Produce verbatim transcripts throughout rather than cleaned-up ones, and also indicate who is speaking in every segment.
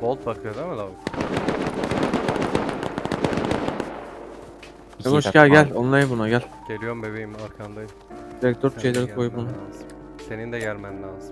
Speaker 1: Bolt bakıyor değil mi lavuk?
Speaker 2: Yavaş gel gel. Onlay buna gel.
Speaker 1: Geliyorum bebeğim, arkandayım.
Speaker 2: Direkt dört
Speaker 1: Senin de
Speaker 2: şeyleri koy
Speaker 1: gelmen
Speaker 2: bunu.
Speaker 1: lazım. Senin de gelmen lazım.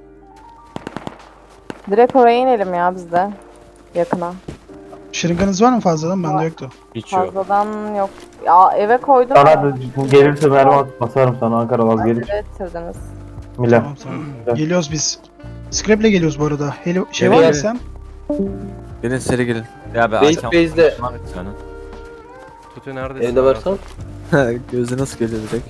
Speaker 3: Direkt oraya inelim ya biz de. Yakına.
Speaker 4: Şırınganız var mı fazladan? Bende yoktu.
Speaker 5: Hiç yok.
Speaker 3: Fazladan yok. Ya eve koydum.
Speaker 6: Sana da gelirse mermi at basarım sana Ankara vazgelir.
Speaker 3: Evet getirdiniz.
Speaker 6: Mila.
Speaker 4: Tamam tamam. Geliyoruz biz. Scrap'le geliyoruz bu arada. Heli şey var
Speaker 2: Geliyor.
Speaker 4: mı sen?
Speaker 2: Gelin seri gelin.
Speaker 5: Ya be
Speaker 7: Base
Speaker 5: Aykan.
Speaker 7: base'de
Speaker 5: Senin.
Speaker 1: Tutu neredesin?
Speaker 7: evde varsan.
Speaker 2: Gözü nasıl geliyor direkt?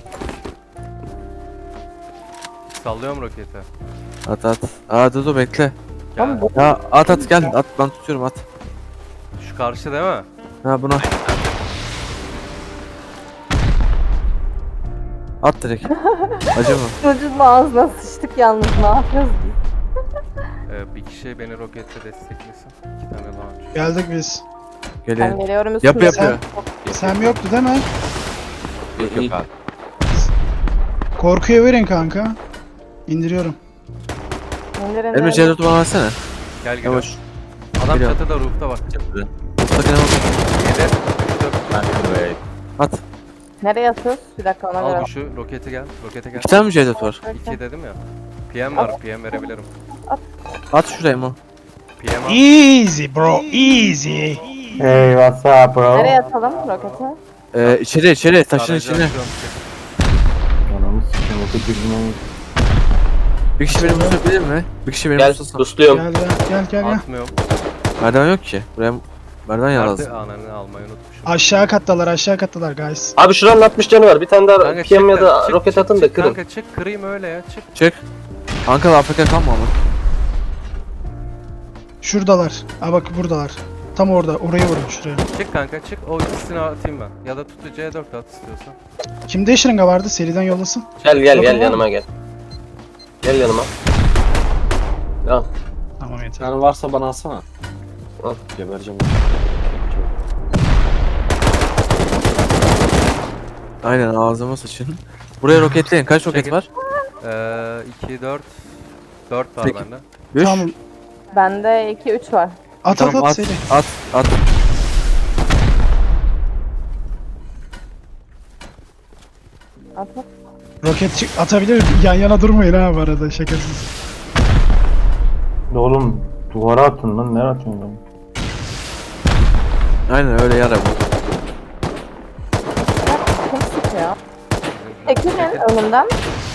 Speaker 1: Sallıyorum roketi.
Speaker 2: At at. Aa dur dur bekle.
Speaker 1: Gel.
Speaker 3: Ama bu
Speaker 2: Ya at at gel at ben tutuyorum at.
Speaker 1: Şu karşı değil mi?
Speaker 2: Ha buna. At direkt. Acı mı?
Speaker 3: çocuğun ağzına sıçtık yalnız, ne yapıyoruz biz?
Speaker 1: Ee, bir kişi beni rokette desteklesin. İki tane launch.
Speaker 4: Geldik biz.
Speaker 3: Ben
Speaker 2: Gelin.
Speaker 3: geliyorum
Speaker 2: Yap
Speaker 3: üstüne.
Speaker 2: yapıyor.
Speaker 4: Sam yoktu değil mi?
Speaker 5: Yok yok abi.
Speaker 4: Korkuya verin kanka. İndiriyorum.
Speaker 3: İndirin
Speaker 2: Emre C dört bana versene.
Speaker 1: Gel gel.
Speaker 2: Yavaş.
Speaker 1: Adam
Speaker 2: Geliyorum.
Speaker 1: çatıda, roof'ta bak.
Speaker 5: Yaptı.
Speaker 2: Mutlaka ne oldu?
Speaker 1: yedi, üç, dört.
Speaker 5: Ben de böyle.
Speaker 2: At.
Speaker 3: Nereye atıyoruz? Bir dakika ona göre.
Speaker 1: Al bu şu roketi gel. Rokete gel.
Speaker 2: İki tane mi C dört var?
Speaker 1: İki dedim ya. P M var, P M verebilirim.
Speaker 2: At şuraya mı?
Speaker 1: P M al.
Speaker 4: Easy bro, easy.
Speaker 6: Hey what's up bro?
Speaker 3: Nereye atalım roketi?
Speaker 2: Ee, içeri içeri taşın
Speaker 1: Aracı
Speaker 2: içine.
Speaker 1: açıyorum.
Speaker 6: Anamı sikeyim o kötü günüm.
Speaker 2: Bir kişi beni tutabilir mi? Bir kişi beni
Speaker 7: Gel
Speaker 2: tutsın.
Speaker 7: busluyorum.
Speaker 4: Gel gel gel gel. gel.
Speaker 1: Atmıyorum.
Speaker 2: Merdiven yok ki. Buraya merdiven yer
Speaker 1: Nerede?
Speaker 2: lazım.
Speaker 1: Ananı almayı unutmuşum.
Speaker 4: Aşağı kattalar aşağı kattalar guys.
Speaker 7: Abi şuranın altmış canı var. Bir tane daha
Speaker 1: Kanka
Speaker 7: P M ya
Speaker 1: çık
Speaker 7: da
Speaker 1: çık,
Speaker 7: roket
Speaker 1: çık,
Speaker 7: atın da
Speaker 1: çık,
Speaker 7: kırın.
Speaker 1: Kanka çık, kırayım öyle ya, çık.
Speaker 2: Çık. Ankara Afrika kalma ama.
Speaker 4: Şuradalar. Aa bak buradalar. Tam orada. Oraya vurun şuraya.
Speaker 1: Çık kanka çık, o ikisini atayım ben. Ya da tutu C dört at istiyorsan.
Speaker 4: Kimde şırınga vardı? Seriden yollasın.
Speaker 7: Gel gel
Speaker 4: Bakın
Speaker 7: gel
Speaker 4: var
Speaker 7: yanıma gel. Gel yanıma. Tamam.
Speaker 4: Tamam yeter.
Speaker 5: Yani varsa bana alsana.
Speaker 7: Al.
Speaker 5: Gebereceğim.
Speaker 2: Aynen ağzıma sıçın. Buraya roketleyin. Kaç roket
Speaker 1: Çekil.
Speaker 2: var?
Speaker 1: Eee iki, dört. dört var
Speaker 2: Peki.
Speaker 1: bende.
Speaker 2: üç.
Speaker 4: Tamam.
Speaker 3: Bende iki üç var.
Speaker 4: At
Speaker 2: Tamam
Speaker 4: at at
Speaker 2: at.
Speaker 4: seri.
Speaker 2: At at.
Speaker 3: At at.
Speaker 4: Roket çık atabilir. Yan yana durmayın ha bu arada şakasız.
Speaker 6: Oğlum duvara atın lan nereye atıyorsun lan?
Speaker 2: Aynen öyle yara bu.
Speaker 3: Kim sıkıyor? Çekilin önümden.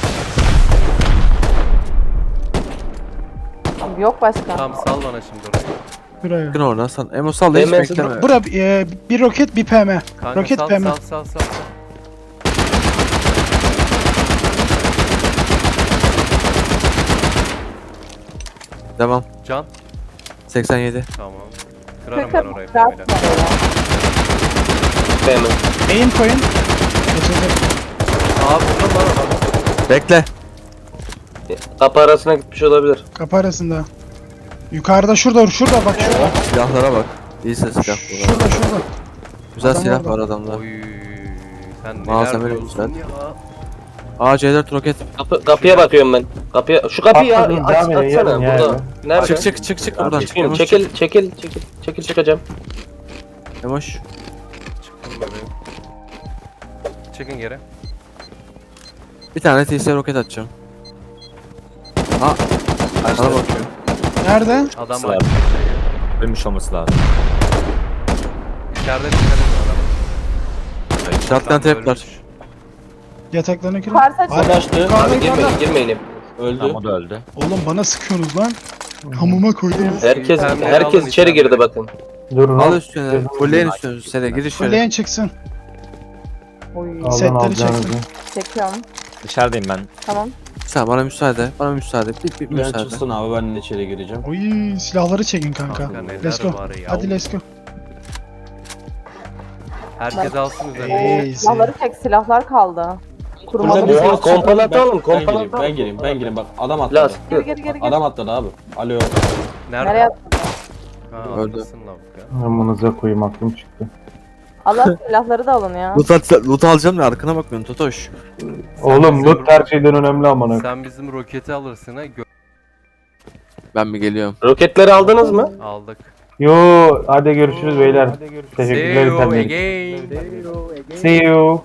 Speaker 3: Yok başka.
Speaker 1: Tamam sal bana şimdi orayı.
Speaker 4: Buraya.
Speaker 2: Bakın oradan sen. Emo sal da hiç
Speaker 7: Hemen-
Speaker 2: bekleme.
Speaker 4: Bura e, bir roket bir P M.
Speaker 1: Kanka
Speaker 4: Roket
Speaker 1: sal,
Speaker 4: P M.
Speaker 1: sal sal sal sal.
Speaker 2: Devam.
Speaker 1: Can.
Speaker 2: seksen yedi.
Speaker 1: Tamam. Kırarım
Speaker 3: Kırk
Speaker 1: ben
Speaker 3: kırk
Speaker 1: orayı.
Speaker 3: kırk
Speaker 1: P M'yle.
Speaker 7: P M.
Speaker 4: Aim koyun. Geçecek.
Speaker 1: Aa vurdum lan adam.
Speaker 2: Bekle.
Speaker 7: Kapı arasına gitmiş olabilir.
Speaker 4: Kapı arasında. Yukarıda şurada şurada bak şurada.
Speaker 2: Silahlara bak. İyi ses silah bu.
Speaker 4: Şurada şurada.
Speaker 2: Güzel
Speaker 4: Adam
Speaker 2: silah
Speaker 4: orada.
Speaker 2: var adamda.
Speaker 1: Oy. Sen neler
Speaker 2: Malzemeli
Speaker 1: diyorsun
Speaker 2: güzel.
Speaker 1: ya.
Speaker 2: Aa C dört roket.
Speaker 7: Kapı, kapıya bakıyorum ben. Kapıya şu kapıyı ya,
Speaker 6: Atladın,
Speaker 7: aç,
Speaker 6: devam edin,
Speaker 7: açsana
Speaker 6: yarın ya,
Speaker 7: burada. Nerede?
Speaker 2: Çık çık çık çık buradan.
Speaker 7: Çıkayım,
Speaker 2: Emoş,
Speaker 7: çekil çekil çekil çekil çıkacağım.
Speaker 2: çık. Emoş.
Speaker 1: Çıktım bebeğim. Çekin geri.
Speaker 2: Bir tane T S roket atacağım. Aa. Bana bakıyor.
Speaker 4: Nerede?
Speaker 1: Adam
Speaker 5: Sıra.
Speaker 1: var.
Speaker 5: Ölmüş olması lazım.
Speaker 1: İçeride dikkat edin adama.
Speaker 2: Shotgun
Speaker 1: Adam
Speaker 2: trap var.
Speaker 1: ölmüş.
Speaker 4: Yataklarına girin.
Speaker 3: Yukarısı açık.
Speaker 4: Hadi.
Speaker 5: Açtı.
Speaker 4: Yukarıda,
Speaker 7: Abi
Speaker 4: yukarıda.
Speaker 7: girmeyin girmeyin.
Speaker 5: Öldü. Tamam o da öldü.
Speaker 4: Oğlum bana sıkıyorsunuz lan. Hamuma koydunuz.
Speaker 7: Herkes
Speaker 1: Pembe
Speaker 7: herkes
Speaker 1: alın
Speaker 7: içeri girdi
Speaker 1: içeride.
Speaker 7: bakın.
Speaker 6: Durun
Speaker 2: Al
Speaker 6: lan.
Speaker 2: üstüne. Fulleyin üstüne. Sene gir içeri.
Speaker 4: Fulleyen çıksın.
Speaker 3: Oy.
Speaker 6: Alın
Speaker 4: Setleri
Speaker 6: alacağınızı.
Speaker 4: çektim.
Speaker 3: Çekiyorum.
Speaker 5: Dışarıdayım ben.
Speaker 3: Tamam.
Speaker 2: Sen bana müsaade. Bana müsaade. Bir, bir
Speaker 5: Ben
Speaker 2: müsaade.
Speaker 5: çıksın abi ben de içeri gireceğim.
Speaker 4: Oy silahları çekin kanka.
Speaker 1: Kanka neler
Speaker 4: Let's go.
Speaker 1: var ya.
Speaker 4: Hadi let's go.
Speaker 1: Herkes alsın üzerine.
Speaker 4: Easy.
Speaker 3: Silahları çek, silahlar kaldı. Kurmalı
Speaker 5: Burada
Speaker 3: bir
Speaker 7: Oha,
Speaker 5: bir-
Speaker 7: kompalat
Speaker 5: Ben-
Speaker 7: alın,
Speaker 5: Ben
Speaker 7: kompalat
Speaker 5: gireyim,
Speaker 7: alın.
Speaker 5: ben gireyim, ben gireyim. Bak adam atladı.
Speaker 7: Las.
Speaker 3: Geri geri geri geri.
Speaker 5: Adam atladı abi. Alo.
Speaker 1: Nerede?
Speaker 3: Nereye attın?
Speaker 1: Ha,
Speaker 2: Öldü.
Speaker 1: arkasın lavuk ya.
Speaker 6: Amınıza koyayım aklım çıktı.
Speaker 3: Allah silahları da alın ya.
Speaker 2: Loot, at, loot alacağım da arkana bakmıyorsun Totoş.
Speaker 6: Oğlum loot her şeyden önemli amına.
Speaker 1: Sen bizim roketi alırsın ha. Gö-
Speaker 2: Ben bir geliyorum.
Speaker 7: Roketleri aldınız mı?
Speaker 1: Aldık.
Speaker 6: Yo hadi görüşürüz beyler.
Speaker 1: See
Speaker 6: Teşekkürler
Speaker 1: you
Speaker 6: efendim.
Speaker 1: again.
Speaker 6: See you.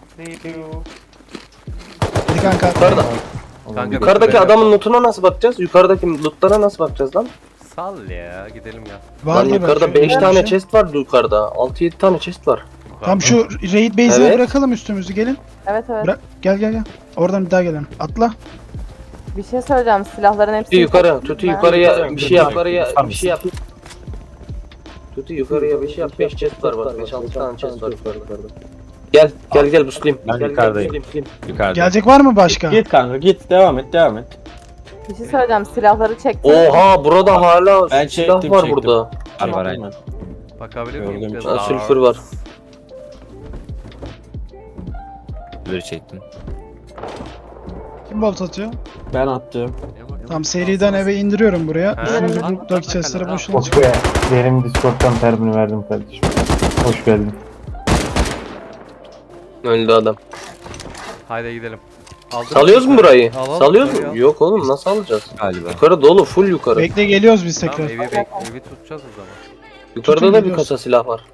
Speaker 4: Hadi kanka.
Speaker 7: Yukarıda.
Speaker 1: Kanka,
Speaker 7: Yukarıdaki
Speaker 1: bir-
Speaker 7: adamın lootuna nasıl bakacağız? Yukarıdaki lootlara nasıl bakacağız lan?
Speaker 1: Sal ya gidelim ya.
Speaker 4: Var
Speaker 7: Lan
Speaker 4: mı
Speaker 7: yukarıda
Speaker 4: belki?
Speaker 7: beş
Speaker 4: Var bir
Speaker 7: tane
Speaker 4: şey.
Speaker 7: chest var yukarıda. altı yedi tane chest var.
Speaker 4: Tamam şu raid base'ine
Speaker 7: Evet.
Speaker 4: bırakalım üstümüzü gelin.
Speaker 3: Evet evet.
Speaker 4: Bırak. Gel gel gel. Oradan bir daha gelelim. Atla.
Speaker 3: Bir şey söyleyeceğim. Silahların hepsi
Speaker 7: Tutu yukarı, Tutu yukarıya bir şey yap. Yukarıya bir şey yap. Tutu yukarıya bir şey yap. beş chest var bak. beş altı tane chest var yukarıda. Gel, gel gel buslayayım.
Speaker 5: Ben
Speaker 7: Gel,
Speaker 5: yukarıdayım.
Speaker 7: Gel, buslayayım.
Speaker 5: Yukarıda.
Speaker 4: Gelecek var mı başka?
Speaker 5: Git kanka git devam et devam et.
Speaker 3: Bir şey söyleyeceğim. Silahları çektim.
Speaker 7: Oha burada hala
Speaker 5: Ben
Speaker 7: silah
Speaker 5: çektim,
Speaker 7: var
Speaker 5: çektim.
Speaker 7: burada.
Speaker 5: Var var aynen.
Speaker 1: Bakabilir miyim?
Speaker 5: Gördüm.
Speaker 1: Biraz
Speaker 7: Ha,
Speaker 1: daha-
Speaker 7: sülfür var.
Speaker 5: Böyle çektim.
Speaker 4: Kim bolt atıyor?
Speaker 5: Ben attım.
Speaker 4: Tamam seriden eve indiriyorum buraya.
Speaker 1: Ha.
Speaker 4: Üstünüzü
Speaker 1: At,
Speaker 4: buradaki
Speaker 1: at,
Speaker 4: chestlere
Speaker 1: at,
Speaker 4: boşuna
Speaker 6: Oh
Speaker 4: çıkın.
Speaker 6: be. Benim Discord'dan terbini verdim kardeşim. Hoş geldin.
Speaker 7: Öldü adam.
Speaker 1: Haydi gidelim. Aldın
Speaker 7: Salıyoruz mu burayı?
Speaker 1: Alalım,
Speaker 7: Salıyoruz
Speaker 1: burayı
Speaker 7: mu?
Speaker 1: al.
Speaker 7: Yok oğlum nasıl alacağız?
Speaker 5: Galiba.
Speaker 7: Yukarı dolu, full yukarı.
Speaker 4: Bekle geliyoruz biz
Speaker 1: Tamam
Speaker 4: tekrar.
Speaker 1: evi, bek evi tutacağız o zaman.
Speaker 7: Yukarıda
Speaker 4: tutun
Speaker 7: da bir
Speaker 4: geliyoruz.
Speaker 7: kasa silah var.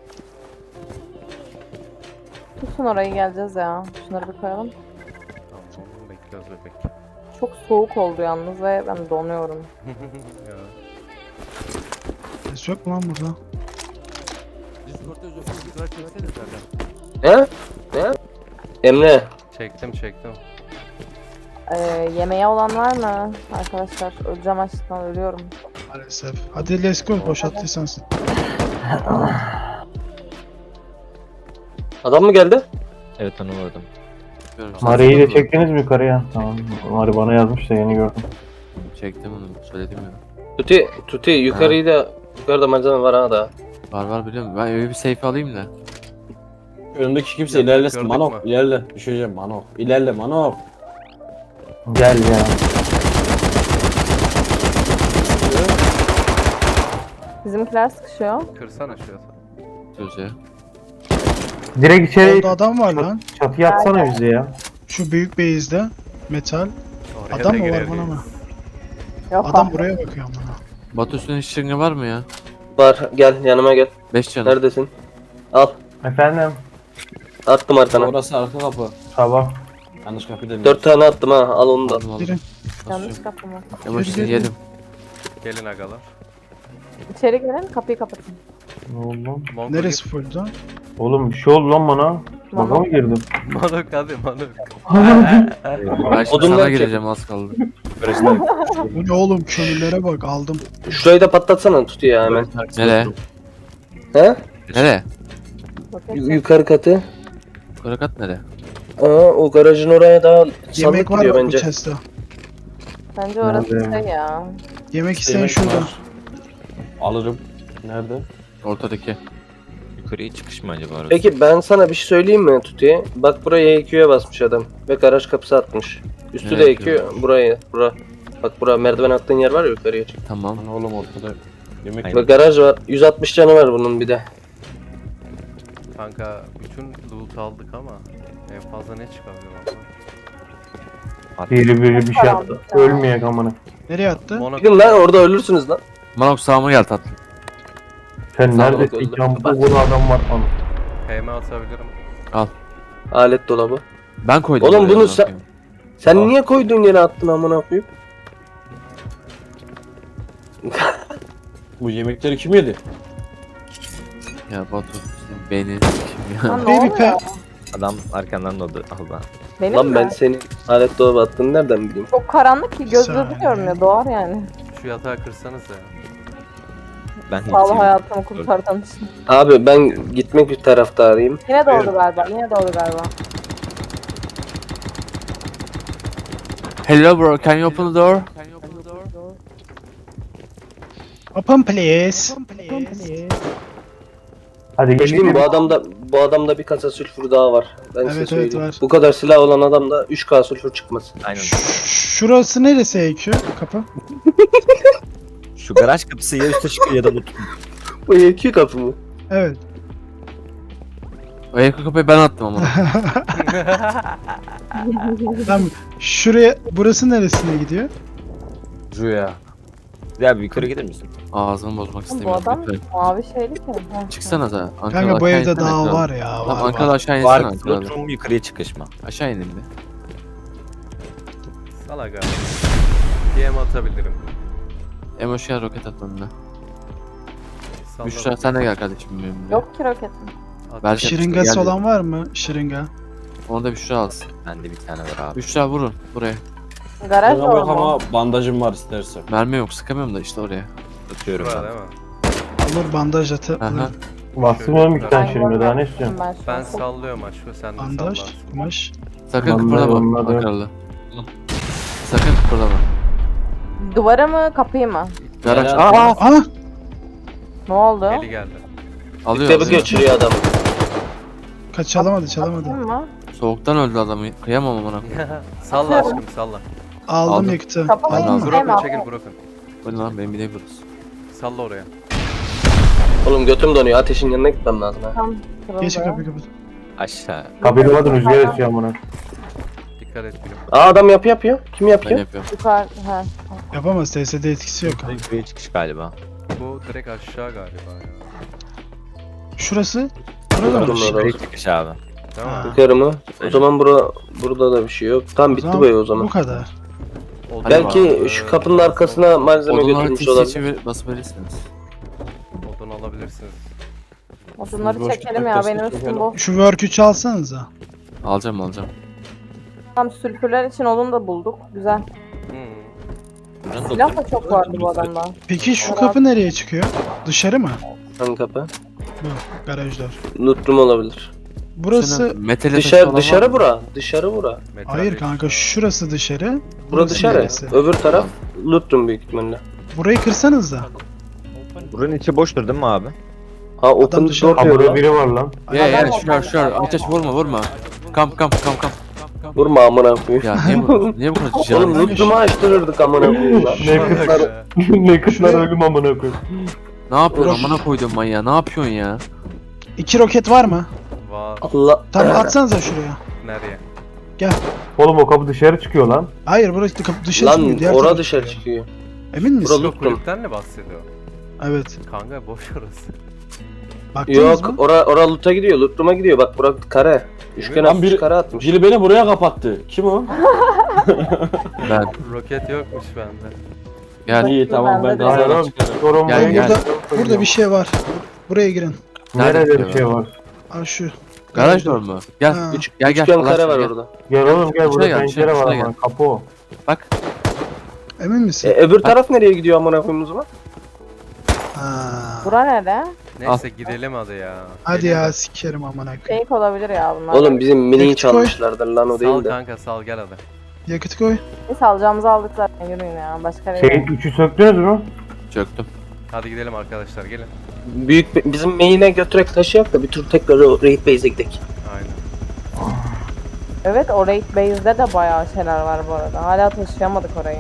Speaker 3: Tutun orayı geleceğiz ya. Şunları bir koyalım.
Speaker 1: Tamam bekliyoruz bebek.
Speaker 3: Çok soğuk oldu yalnız ve ben donuyorum.
Speaker 1: Ya.
Speaker 4: Ses yok mu lan burada?
Speaker 7: He? Ne? Emre.
Speaker 1: Çektim çektim.
Speaker 3: Ee, yemeğe olan var mı arkadaşlar? Öleceğim açlıktan ölüyorum.
Speaker 4: Maalesef. Hadi let's go boşalttıysan sen.
Speaker 7: Adam mı geldi?
Speaker 5: Evet onu vurdum.
Speaker 6: Mari'yi de çektiniz mi yukarıya? Tamam. Mari bana yazmış da yeni gördüm.
Speaker 2: Çektim onu söyledim ya.
Speaker 7: Tuti, Tuti yukarıyı da yukarıda malzeme var ha da.
Speaker 2: Var var biliyorum. Ben evi bir safe alayım da.
Speaker 5: Önümdeki kimse
Speaker 1: Gördük,
Speaker 5: ilerlesin.
Speaker 1: gördük
Speaker 5: Manok
Speaker 1: mü?
Speaker 5: ilerle. Düşeceğim Manok. İlerle Manok.
Speaker 6: Gel ya.
Speaker 3: Bizimkiler sıkışıyor.
Speaker 1: Kırsana şu yatağı.
Speaker 2: Sözü.
Speaker 6: Direkt içeri
Speaker 4: Orada adam var lan.
Speaker 6: çatıya atsana bizi ya.
Speaker 4: Şu büyük base'de. Metal.
Speaker 1: Oraya
Speaker 4: Adam
Speaker 1: da
Speaker 4: mı var
Speaker 1: girer
Speaker 4: bana mı?
Speaker 1: miyiz?
Speaker 3: Yok
Speaker 4: Adam
Speaker 3: ah.
Speaker 4: buraya bakıyor bana.
Speaker 2: Batu üstünde hiç şırınga var mı ya?
Speaker 7: Var gel yanıma gel.
Speaker 2: beş canım.
Speaker 7: Neredesin? Al.
Speaker 6: Efendim.
Speaker 7: Attım arkana.
Speaker 5: Orası arka kapı.
Speaker 6: Sabah.
Speaker 5: Yanlış kapı demiyorum.
Speaker 7: Dört tane attım ha al onu da.
Speaker 2: Aldım aldım.
Speaker 4: Girin.
Speaker 3: Yanlış kapı mı?
Speaker 2: Ama şimdi yedim.
Speaker 1: Gelin agalar.
Speaker 3: İçeri gelin kapıyı kapatın.
Speaker 6: Ne oldu lan?
Speaker 1: Mongo
Speaker 4: Neresi full lan?
Speaker 6: Oğlum bir şey oldu lan bana. Baga mı girdim?
Speaker 1: git. Manok hadi manok.
Speaker 2: Ben şimdi
Speaker 7: Odunları
Speaker 2: sana
Speaker 7: çek.
Speaker 2: gireceğim az kaldı.
Speaker 4: Bu ne oğlum kömürlere bak aldım.
Speaker 7: Şurayı da patlatsana Tuti ya hemen.
Speaker 2: Nereye?
Speaker 7: He?
Speaker 2: Nereye?
Speaker 3: Roket
Speaker 7: Y-
Speaker 3: çek.
Speaker 7: yukarı katı.
Speaker 2: Karakat nereye?
Speaker 7: Aa o garajın oraya daha
Speaker 4: Yemek
Speaker 7: sandık
Speaker 4: var
Speaker 7: gidiyor
Speaker 4: mı bu
Speaker 7: bence.
Speaker 4: chest'te?
Speaker 3: Bence orası
Speaker 6: Nerede?
Speaker 3: şey ya.
Speaker 4: Yemek isteyen
Speaker 5: Yemek
Speaker 4: şurada.
Speaker 5: var. Alırım. Nerede?
Speaker 2: Ortadaki.
Speaker 8: Yukarıya çıkış mı acaba orası?
Speaker 7: Peki ben sana bir şey söyleyeyim mi Tuti? Bak buraya E Q'ya basmış adam ve garaj kapısı atmış. Üstü de
Speaker 2: Evet,
Speaker 7: E Q buraya. Bura. Bak bura merdiven attığın yer var ya yukarıya çık.
Speaker 2: Tamam.
Speaker 5: Lan oğlum ortada yemek
Speaker 8: Aynen.
Speaker 7: Ve garaj var. yüz altmış canı var bunun bir de.
Speaker 1: Kanka bütün loot aldık ama en fazla ne çıkabilir ama?
Speaker 6: Biri biri bir şey yaptı. Ölmeyek amına.
Speaker 4: Nereye attı?
Speaker 1: Monok
Speaker 7: Çıkın lan orada ölürsünüz lan.
Speaker 2: Manok sağıma gel tatlım.
Speaker 6: Sen
Speaker 7: Sağ ol,
Speaker 6: neredesin?
Speaker 7: öldüm.
Speaker 6: Campta bunu adam var falan.
Speaker 1: P M atabilirim.
Speaker 7: Alet dolabı.
Speaker 2: Ben koydum.
Speaker 7: Oğlum
Speaker 2: buraya,
Speaker 7: bunu
Speaker 2: amına
Speaker 7: sen-
Speaker 2: koyayım.
Speaker 7: Sen
Speaker 5: Aa.
Speaker 7: niye koyduğun yere attın amına koyup?
Speaker 5: Bu yemekleri kim yedi?
Speaker 2: Ya Batu senin beynin kim ya?
Speaker 3: Lan ne
Speaker 4: Baby
Speaker 3: oluyor?
Speaker 4: pe-
Speaker 8: Adam arkandan da aldı. aldı.
Speaker 3: Benim
Speaker 7: Lan
Speaker 3: mi?
Speaker 7: ben senin alet dolabı attığını nereden bileyim?
Speaker 3: Çok karanlık ki gözle
Speaker 4: Saniye.
Speaker 3: de görmüyor. Doğar yani.
Speaker 1: Şu yatağı kırsanız ya.
Speaker 8: Ben
Speaker 3: Sağ ol
Speaker 8: hiç
Speaker 3: hayatımı kurtardığın için.
Speaker 7: Abi ben gitmek bir taraftarıyım.
Speaker 3: Yine doğdu galiba. Yine doğdu galiba.
Speaker 2: Hello bro, can you open the door?
Speaker 4: Open please.
Speaker 6: Hadi
Speaker 7: Geçtim
Speaker 6: gelin.
Speaker 7: bu adamda bu adamda bir kasa sülfür daha var. Ben
Speaker 4: Evet,
Speaker 7: size
Speaker 4: evet,
Speaker 7: söyleyeyim.
Speaker 4: var.
Speaker 7: Bu kadar silah olan adamda üç K sülfür çıkmaz.
Speaker 8: aynen.
Speaker 4: Ş- Şurası neresi E Q? Kapı.
Speaker 8: Şu garaj kapısı ya üstte çıkıyor ya da bu.
Speaker 7: Bu E Q kapı mı?
Speaker 4: Evet.
Speaker 2: O yakın kapıyı ben attım ama.
Speaker 4: Tamam. Şuraya burası neresine gidiyor?
Speaker 5: Rüya.
Speaker 8: Ya bir yukarı gelir misin?
Speaker 2: Ağzımı bozmak
Speaker 3: Bu
Speaker 2: istemiyorum.
Speaker 3: adam
Speaker 2: lütfen.
Speaker 3: mavi şeyli ki. Ha.
Speaker 2: Çıksana da.
Speaker 4: Kanka bu evde daha var ya.
Speaker 2: Tamam
Speaker 4: Var,
Speaker 2: Ankara'da
Speaker 4: var.
Speaker 2: aşağı insene
Speaker 8: Var.
Speaker 2: Ankara'da.
Speaker 8: Lotrum yukarıya çıkışma.
Speaker 2: Aşağı inin bir.
Speaker 1: Salak abi. D M atabilirim.
Speaker 2: Emoşya roket at önüne.
Speaker 1: Salla
Speaker 2: Büşra
Speaker 1: bakayım.
Speaker 2: sen de gel kardeşim benimle.
Speaker 3: Yok ki roketim.
Speaker 1: At.
Speaker 2: Belki-
Speaker 4: Şırıngası
Speaker 2: Geldi.
Speaker 4: olan var mı? Şırınga.
Speaker 2: Onu da Büşra alsın.
Speaker 8: Bende bir tane var abi.
Speaker 2: Büşra vurun buraya.
Speaker 3: Garaj
Speaker 5: Bana
Speaker 3: var
Speaker 5: bak
Speaker 3: mı?
Speaker 5: ama bandajım var istersen.
Speaker 2: Mermi yok sıkamıyorum da işte oraya.
Speaker 8: Tutuyorum
Speaker 1: Var
Speaker 8: ben.
Speaker 1: değil mi?
Speaker 4: Olur bandaj atı.
Speaker 2: Aha.
Speaker 4: Olur.
Speaker 6: Bastım oğlum iki tane
Speaker 3: Ben
Speaker 6: şırınga daha ne istiyorsun?
Speaker 3: Ben, şu
Speaker 1: Ben
Speaker 3: an-
Speaker 1: sallıyorum aşkı sen de
Speaker 4: Bandaj.
Speaker 1: sallarsın.
Speaker 4: Kumaş.
Speaker 2: Sakın
Speaker 6: Vallahi
Speaker 2: kıpırdama
Speaker 6: olmadı.
Speaker 2: Ankaralı. Sakın kıpırdama.
Speaker 3: Duvara mı kapıyı mı?
Speaker 2: Garaj.
Speaker 5: Helal.
Speaker 2: Aa, aa!
Speaker 4: Ana!
Speaker 3: Ne oldu?
Speaker 1: Eli geldi.
Speaker 2: Alıyor.
Speaker 7: Tebrik
Speaker 2: alıyor.
Speaker 7: geçiriyor adam.
Speaker 4: Kaç çalamadı çalamadı.
Speaker 3: Kapıyı mı?
Speaker 2: Soğuktan öldü adamı. Kıyamam amına.
Speaker 1: Salla aşkım salla.
Speaker 4: Aldım
Speaker 2: Aldım.
Speaker 4: yıktı.
Speaker 3: Kapamayın.
Speaker 4: Aldın mı?
Speaker 3: Değil mi?
Speaker 1: Broken çekil Broken.
Speaker 2: Bu ne lan benim bir de burası.
Speaker 1: Salla oraya.
Speaker 7: Oğlum götüm donuyor. Ateşin yanına gitmem lazım ha.
Speaker 3: Tam kırıldı.
Speaker 4: Geç kapıyı kapat.
Speaker 8: Aşağı.
Speaker 6: Kapıyı kapatın rüzgar esiyor amına.
Speaker 1: Dikkat et gülüm.
Speaker 7: Aa adam yapı yapıyor. Kim
Speaker 2: Ben
Speaker 7: yapıyor?
Speaker 2: yapıyorum.
Speaker 3: Yukarı. Ha.
Speaker 4: Yapamaz. T S D etkisi yok.
Speaker 8: Yukarıya çıkış galiba.
Speaker 1: Bu direkt aşağı galiba ya.
Speaker 4: Şurası. Burada mı?
Speaker 7: Yukarı mı?
Speaker 8: Yukarıya çıkış abi.
Speaker 1: Değil mi?
Speaker 4: Ha.
Speaker 7: Yukarı mı? O zaman bura, burada da bir şey yok. Tam bitti bu ev o zaman.
Speaker 4: Bu kadar.
Speaker 1: Odun
Speaker 7: Belki
Speaker 1: var,
Speaker 7: şu
Speaker 1: ee,
Speaker 7: kapının arkasına malzeme
Speaker 2: Odunları
Speaker 7: götürmüş
Speaker 2: tisi
Speaker 7: olabilir.
Speaker 2: için ver- basıp verirsiniz.
Speaker 1: Odun alabilirsiniz.
Speaker 3: Odunları
Speaker 5: Boş
Speaker 3: çekelim ya.
Speaker 5: tutarsa
Speaker 3: Benim
Speaker 5: çekelim.
Speaker 3: üstüm bu.
Speaker 4: Şu work'ü çalsanıza.
Speaker 2: Alacağım alacağım.
Speaker 3: Tam sülfürler için odun da bulduk. Güzel.
Speaker 1: Hmm.
Speaker 3: Silah da çok vardı bu adamda.
Speaker 4: Peki şu kapı nereye çıkıyor? Dışarı mı?
Speaker 7: Hangi kapı?
Speaker 4: Bu. Garajlar.
Speaker 7: Lootrum olabilir.
Speaker 4: Burası...
Speaker 2: Metale
Speaker 7: Dışarı dışarı bura. Dışarı bura.
Speaker 1: Metal
Speaker 4: Hayır
Speaker 1: değil.
Speaker 4: kanka şurası dışarı.
Speaker 7: Bura
Speaker 4: burası
Speaker 7: dışarı.
Speaker 4: neresi?
Speaker 7: Öbür taraf lootrum büyük ihtimalle.
Speaker 4: Burayı kırsanız da.
Speaker 8: Buranın içi boştur değil mi abi?
Speaker 7: Ha open
Speaker 4: dışarı-
Speaker 7: door
Speaker 6: Aa
Speaker 7: diyor
Speaker 6: burada
Speaker 7: lan.
Speaker 6: biri var lan.
Speaker 2: Ya ya
Speaker 3: Adam
Speaker 2: şurar şurar. Ateş vurma vurma. Kamp kamp kamp kamp.
Speaker 7: Vurma amına koyayım.
Speaker 2: Ya niye bu niye bu kadar
Speaker 7: Oğlum
Speaker 2: canlı?
Speaker 7: lootrumu açtırırdık amına koyayım lan.
Speaker 6: Ne kızlar, ne kızlar ölüm amına koyayım.
Speaker 2: Ne yapıyorsun amına koydum manyağı? Ne yapıyorsun ya?
Speaker 4: İki roket var mı?
Speaker 1: Var.
Speaker 7: Allah.
Speaker 4: Tamam atsanıza şuraya.
Speaker 1: Nereye?
Speaker 6: Oğlum o kapı dışarı çıkıyor lan.
Speaker 4: Hayır burası kapı dışarı çıkmıyor.
Speaker 7: Lan
Speaker 4: Diğer
Speaker 7: ora
Speaker 4: taraf
Speaker 7: dışarı
Speaker 4: çıkıyor.
Speaker 7: çıkıyor.
Speaker 4: Emin misin?
Speaker 7: Burada-
Speaker 1: Yok
Speaker 7: Lootrum.
Speaker 1: kulüpten mi bahsediyor?
Speaker 4: Evet.
Speaker 1: Kanka boş orası.
Speaker 4: Baktınız
Speaker 7: Yok
Speaker 4: mı?
Speaker 7: ora ora loot'a gidiyor. Lootrum'a gidiyor. Bak bura kare. Üçgen
Speaker 5: Lan
Speaker 7: atmış
Speaker 5: biri-
Speaker 7: kare atmış.
Speaker 5: Biri beni buraya kapattı. Kim o?
Speaker 2: Ben
Speaker 1: Roket yokmuş bende.
Speaker 2: gel.
Speaker 5: İyi tamam ben
Speaker 3: Bende de
Speaker 6: Hayır
Speaker 5: gazdan
Speaker 6: oğlum.
Speaker 5: çıkarım.
Speaker 6: Sorun
Speaker 2: Gel,
Speaker 6: var.
Speaker 2: gel.
Speaker 4: Burada, burada bir şey var. Buraya girin.
Speaker 6: Nerede bir şey var?
Speaker 4: Aa şu.
Speaker 2: Garaj door mu? Gel.
Speaker 4: Ha.
Speaker 2: Üç, gel gel.
Speaker 7: Üçgen
Speaker 2: Allah
Speaker 7: kare var
Speaker 2: aşkına gel.
Speaker 7: orada.
Speaker 6: Gel oğlum gel burada
Speaker 2: Şuraya gel,
Speaker 6: pencere
Speaker 2: şuraya,
Speaker 6: var
Speaker 2: şuraya
Speaker 6: ama kapı o.
Speaker 2: Bak.
Speaker 4: Emin
Speaker 7: E,
Speaker 4: misin?
Speaker 7: öbür taraf nereye gidiyor amına koyayım o zaman?
Speaker 4: Ha.
Speaker 3: Bura nerede?
Speaker 1: Neyse gidelim hadi ya.
Speaker 4: Hadi
Speaker 1: Gidelim.
Speaker 4: ya sikerim amına koyayım.
Speaker 3: Fake olabilir ya bunlar.
Speaker 7: Oğlum bizim miniyi
Speaker 4: Yakıt koy.
Speaker 7: çalmışlardır lan o
Speaker 1: Sal
Speaker 7: değil de.
Speaker 1: kanka sal gel hadi.
Speaker 4: Yakıt koy.
Speaker 3: Biz alacağımızı aldık zaten. Yürüyün ya. Başka
Speaker 6: Şey
Speaker 3: yere.
Speaker 6: üçü söktünüz mü?
Speaker 2: Çöktüm.
Speaker 1: Hadi gidelim arkadaşlar gelin.
Speaker 7: Büyük bir- bizim main'e götürek taşıyak da bir tur tekrar o raid base'e gidelim.
Speaker 1: Aynen.
Speaker 3: Evet o raid base'de de bayağı şeyler var bu arada. Hala taşıyamadık orayı.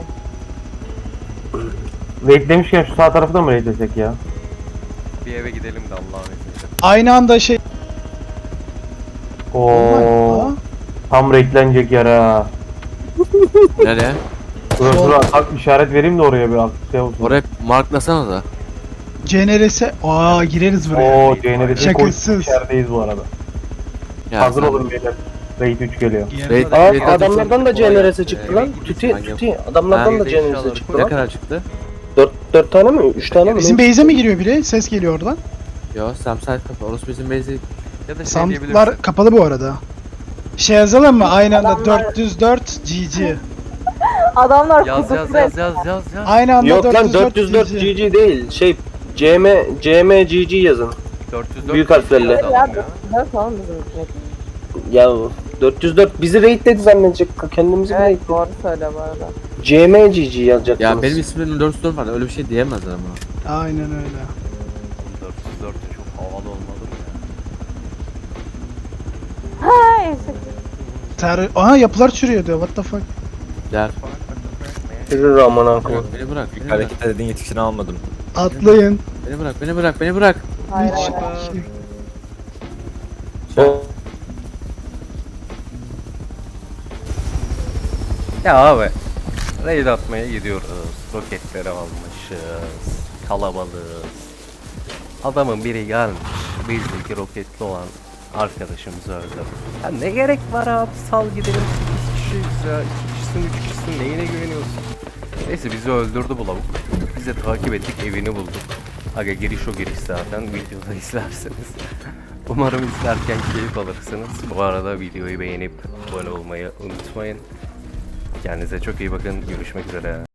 Speaker 6: Raid demişken şu sağ tarafı da mı raid desek ya?
Speaker 1: Bir eve gidelim de Allah'ın izniyle.
Speaker 4: Aynı anda şey.
Speaker 6: Oo.
Speaker 4: Aa,
Speaker 6: Tam raidlenecek yer ha.
Speaker 2: Nereye?
Speaker 6: Dur dur bak işaret vereyim de oraya bir şey olsun.
Speaker 2: Oraya marklasana da.
Speaker 4: C N R S. Aa gireriz buraya.
Speaker 6: Oo C N R'de
Speaker 4: Şakasız.
Speaker 6: içerideyiz bu arada.
Speaker 2: Ya
Speaker 6: Hazır
Speaker 2: sen-
Speaker 6: olun beyler. Raid üç geliyor.
Speaker 4: Gireriz.
Speaker 2: Raid-
Speaker 7: Aa
Speaker 2: Raid
Speaker 7: adamlardan da
Speaker 1: Kolay
Speaker 7: C N R
Speaker 1: gelsin.
Speaker 7: S çıktı
Speaker 1: Ee,
Speaker 7: lan.
Speaker 1: gidin,
Speaker 7: Tüti
Speaker 2: hangi-
Speaker 7: tüti. Adamlardan
Speaker 2: Ha,
Speaker 7: da C N R S
Speaker 1: eşyaları
Speaker 7: çıktı
Speaker 2: Ne
Speaker 7: lan.
Speaker 2: kadar çıktı?
Speaker 7: Dört, dört tane mi? Üç tane mi?
Speaker 4: Bizim base'e mi giriyor biri? Ses geliyor oradan.
Speaker 2: Yo Samsung kafa. Orası bizim bezi.
Speaker 1: Ya da şey diyebilirsin.
Speaker 4: Soundlar kapalı bu arada. Şey yazalım mı? Aynı anda
Speaker 3: Adamlar-
Speaker 4: dört yüz dört G G.
Speaker 3: Adamlar
Speaker 1: Yaz yaz
Speaker 3: kudurdu.
Speaker 1: yaz yaz yaz yaz.
Speaker 4: Aynı anda
Speaker 7: Yok lan
Speaker 4: dört yüz dört
Speaker 7: dört yüz dört
Speaker 4: G G.
Speaker 7: G G değil. Şey C M C M G G yazın.
Speaker 1: dört yüz dört
Speaker 7: Büyük harflerle.
Speaker 1: yazalım
Speaker 3: Ya
Speaker 1: ya.
Speaker 3: dört oğlum bizim raid.
Speaker 7: Ya dört yüz dört bizi raidledi zannedecek. Kendimizi
Speaker 3: Evet
Speaker 7: raid.
Speaker 3: doğru söyle bu arada.
Speaker 7: C M G G yazacaksınız.
Speaker 2: Ya benim ismim dört yüz dört var. Öyle bir şey diyemezler ama.
Speaker 4: Aynen öyle.
Speaker 1: dört yüz dört de çok havalı olmadı mı ya?
Speaker 3: Ha eşek.
Speaker 4: Ter Aha yapılar çürüyor diyor. What the fuck?
Speaker 2: Gel.
Speaker 7: Yürü amına koyayım.
Speaker 2: Beni bırak. Beni bırak.
Speaker 8: Hareket edin yetişini almadım.
Speaker 4: Atlayın.
Speaker 2: Beni bırak. Beni bırak. Beni bırak.
Speaker 3: Hayır
Speaker 4: Hiç.
Speaker 3: hayır.
Speaker 7: O-
Speaker 1: Ya abi. Raid atmaya gidiyoruz. Roketleri almış. karışmışız. Kalabalığız. Adamın biri gelmiş. Bizdeki roketli olan arkadaşımızı öldürdü. Ya ne gerek var abi, sal gidelim, sekiz kişiyiz ya. iki kişisin, üç kişisin, neyine güveniyorsun? Neyse bizi öldürdü bu lavuk. Biz de takip ettik, evini bulduk. Aga giriş o giriş zaten, videoda izlersiniz. Umarım izlerken keyif alırsınız. Bu arada videoyu beğenip abone olmayı unutmayın. Kendinize çok iyi bakın. Görüşmek üzere.